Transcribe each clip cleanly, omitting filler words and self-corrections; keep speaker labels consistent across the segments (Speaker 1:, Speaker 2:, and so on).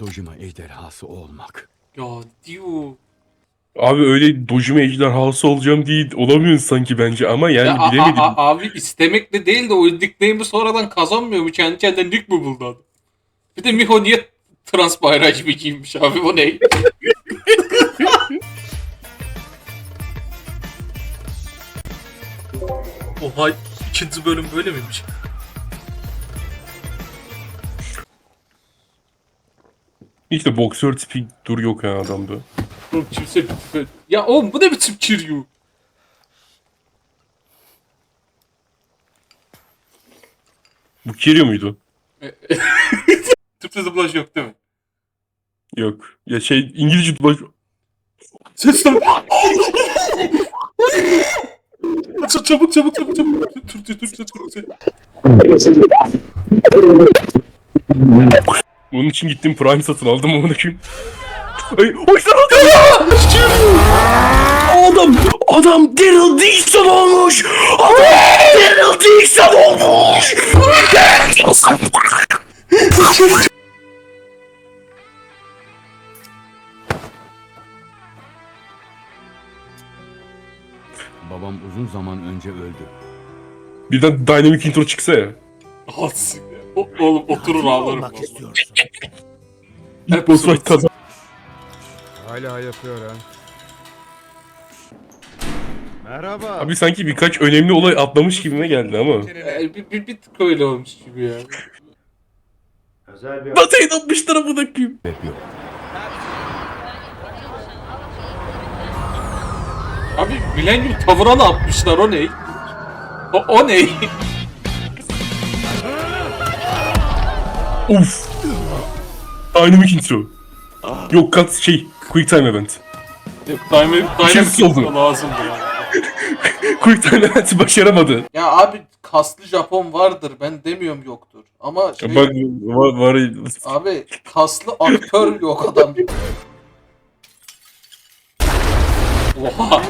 Speaker 1: Dojima ejderhası olmak.
Speaker 2: Ya diyor.
Speaker 3: Abi öyle Dojima ejderhası olacağım değil. Olamıyorsun sanki bence ama yani
Speaker 2: Ya
Speaker 3: bilemedim.
Speaker 2: abi istemekle değil de o nickname'i sonradan kazanmıyor mu? Kendi kendine nick mi buldu adam? Bir de Miho niye trans bayrağı gibi giymiş abi, bu ne? Oha, ikinci bölüm böyle miymiş?
Speaker 3: İşte boksör tipi dur yok ha adamda.
Speaker 2: Oğlum kimse... Ya oğlum bu ne biçim Kiryu?
Speaker 3: Bu Kiryu muydu?
Speaker 2: Türkçe dublaj yok değil mi?
Speaker 3: Yok. Ya şey İngilizce dublaj...
Speaker 2: Ses lan! Çabuk. Türkçe.
Speaker 3: Onun için gittim Prime satın aldım onu kim? Ay, hoşlan Adam Daryl Dixon olmuş! Daryl Dixon olmuş!
Speaker 1: Babam uzun zaman önce öldü.
Speaker 3: Birden Dynamic intro çıksa ya.
Speaker 2: Alsın ya. Oğlum oturur ağlarım.
Speaker 4: olmak
Speaker 2: vallahi.
Speaker 4: istiyorsun?
Speaker 3: İlk boss fight kazan.
Speaker 5: Hala yapıyor ha. Merhaba.
Speaker 3: Abi sanki birkaç önemli olay atlamış gibime geldi ama.
Speaker 2: Bir tık öyle olmuş gibi ya.
Speaker 4: Özel bir
Speaker 3: Nasıl inanmışlar amına koyayım?
Speaker 1: Sebep yok.
Speaker 2: Abi Millennium tavıra ne yapmışlar, o ne? O ne?
Speaker 3: Uf. Dynamic intro. Yok kat şey Quick Time Event.
Speaker 2: Dynamic
Speaker 3: oldu.
Speaker 2: lazımdı ya.
Speaker 3: Quick Time Event'i başaramadı.
Speaker 2: Ya abi kaslı Japon vardır, ben demiyorum yoktur. Ama şey,
Speaker 3: Bak var.
Speaker 2: abi kaslı aktör yok adam. Oha.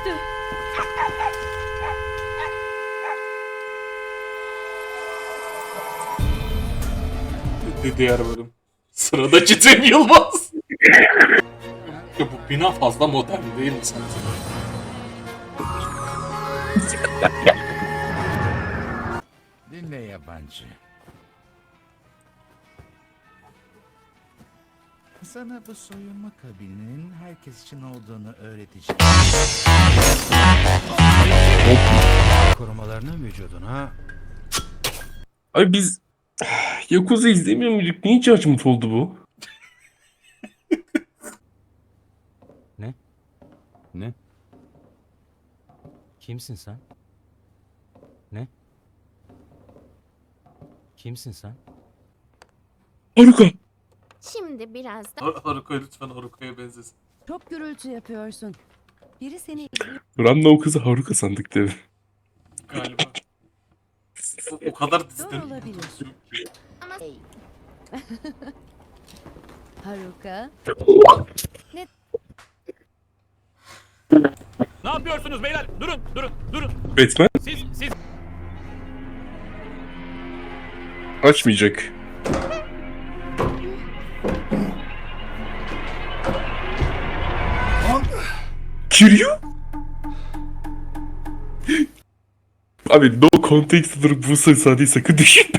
Speaker 2: Diğer bölüm. Sıradaki Cem Yılmaz. Ya bu bina fazla modern değil mi sence?
Speaker 5: Dinle yabancı. Sana bu soyunma kabininin herkes için olduğunu öğreteceğim. Korumalarını vücuduna.
Speaker 3: Abi biz Yakuza izlemiyor muyduk? Niye Judgment oldu bu?
Speaker 1: Ne?
Speaker 6: Kimsin sen? Ne? Kimsin sen?
Speaker 3: Haruka.
Speaker 7: Şimdi biraz da
Speaker 2: Haruka lütfen Haruka'ya benzesin.
Speaker 8: Çok gürültü yapıyorsun. Biri seni izliyor.
Speaker 3: Ranma o kızı Haruka sandık değil mi?
Speaker 2: Galiba. O kadar diziden.
Speaker 8: olabilir.
Speaker 7: ama
Speaker 8: Haruka.
Speaker 9: Ne yapıyorsunuz beyler? Durun.
Speaker 3: Batman
Speaker 9: Siz
Speaker 3: açmayacak. Kiryu? Abi no context olarak bu sayı sakın düşün.